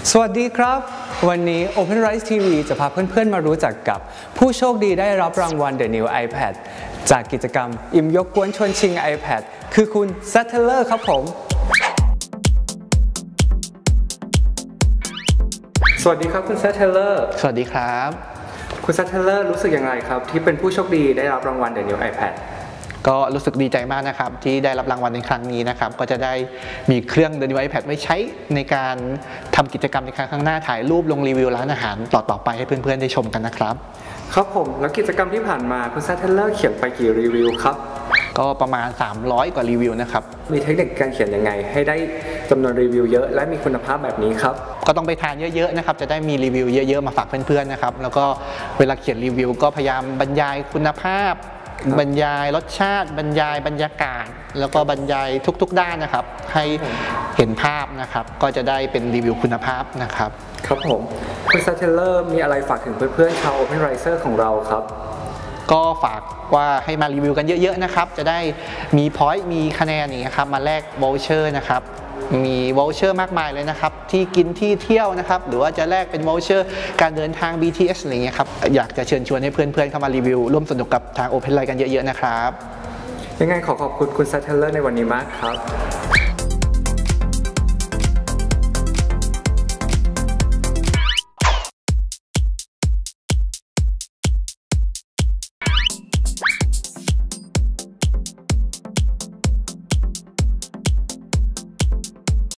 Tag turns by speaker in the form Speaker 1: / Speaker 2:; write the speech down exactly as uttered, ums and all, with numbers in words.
Speaker 1: สวัสดีครับวันนี้ OpenRice ที วี จะพาเพื่อนๆมารู้จักกับผู้โชคดีได้รับรางวัล The New iPad จากกิจกรรมอิ่มยกกวนชวนชิง iPad คือคุณ Sattler ครับผมสวัสดีครับคุณ Sattler
Speaker 2: สวัสดีครับ
Speaker 1: คุณ Sattler รู้สึกอย่างไรครับที่เป็นผู้โชคดีได้รับรางวัล The New iPad
Speaker 2: ก็รู้สึกดีใจมากนะครับที่ได้รับรางวัลในครั้งนี้นะครับก็จะได้มีเครื่อง The New iPad ไว้ใช้ในการทำกิจกรรมในครั้งข้างหน้าถ่ายรูปลงรีวิวร้านอาหารต่อๆไปให้เพื่อนๆได้ชมกันนะครับ
Speaker 1: ครับผมแล้วกิจกรรมที่ผ่านมาคุณ Sattler เขียนไปกี่รีวิวครับ
Speaker 2: ก็ประมาณสามร้อยกว่ารีวิวนะครับ
Speaker 1: มีเทคนิคการเขียนยังไงให้ได้จำนวนรีวิวเยอะและมีคุณภาพแบบนี้ครับ
Speaker 2: ก็ต้องไปทานเยอะๆนะครับจะได้มีรีวิวเยอะๆมาฝากเพื่อนๆนะครับแล้วก็เวลาเขียนรีวิวก็พยายามบรรยายคุณภาพบรรยายรสชาติบรรยายบรรยากาศแล้วก็บรรยายทุกๆด้านนะครับให้เห็นภาพนะครับก็จะได้เป็นรีวิวคุณภาพนะครับ
Speaker 1: ครับผมคุณ Sattler มีอะไรฝากถึงเพื่อนๆชาว OpenRicer ของเราครับ
Speaker 2: ก็ฝากว่าให้มารีวิวกันเยอะๆนะครับจะได้มีพอยต์มีคะแนนอย่างเงี้ยครับมาแลกวอลเชอร์นะครับมีวอลเชอร์มากมายเลยนะครับที่กินที่เที่ยวนะครับหรือว่าจะแลกเป็นวอลเชอร์การเดินทาง บี ที เอส อะไรเงี้ยครับอยากจะเชิญชวนให้เพื่อนๆเข้ามารีวิวร่วมสนุกกับทาง OpenRice กันเยอะๆนะครับ
Speaker 1: ยังไงขอขอบคุณคุณ Sattler ในวันนี้มากครับ